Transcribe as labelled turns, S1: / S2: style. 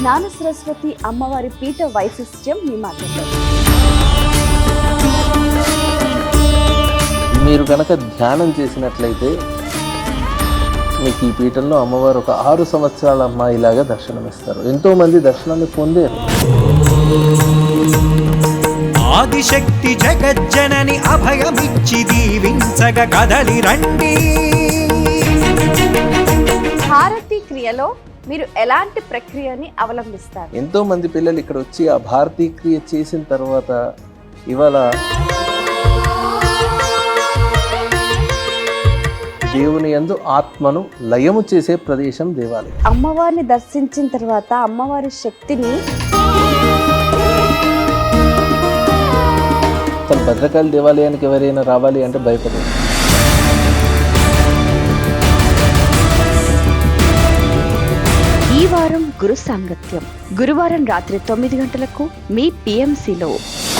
S1: జ్ఞాన సరస్వతి అమ్మవారి పీఠ వైశిష్ట్యం మీ మాటల్లో.
S2: మీరు కనుక ధ్యానం చేసినట్లయితే మీకు ఈ పీఠంలో అమ్మవారు ఒక 6 సంవత్సరాల అమ్మాయిలాగా దర్శనమిస్తారు. ఎంతోమంది దర్శనాన్ని పొందారు.
S3: ఆదిశక్తి జగజ్జనని అభయమిచ్చి దీవించగ కదలి రండి.
S1: హారతి క్రియలో మీరు ఎలాంటి ప్రక్రియని అవలంబిస్తారు?
S2: ఎంతోమంది పిల్లలు ఇక్కడ వచ్చి ఆ భారతీ క్రియ చేసిన తర్వాత ఇవాళ దేవుని యందు ఆత్మను లయము చేసే ప్రదేశం దేవాలయం.
S1: అమ్మవారిని దర్శించిన తర్వాత అమ్మవారి శక్తిని
S2: భద్రకాళి దేవాలయానికి ఎవరైనా రావాలి అంటే భయపడదు.
S1: ఈ వారం గురు సాంగత్యం గురువారం రాత్రి 9 గంటలకు మీ PMCలో.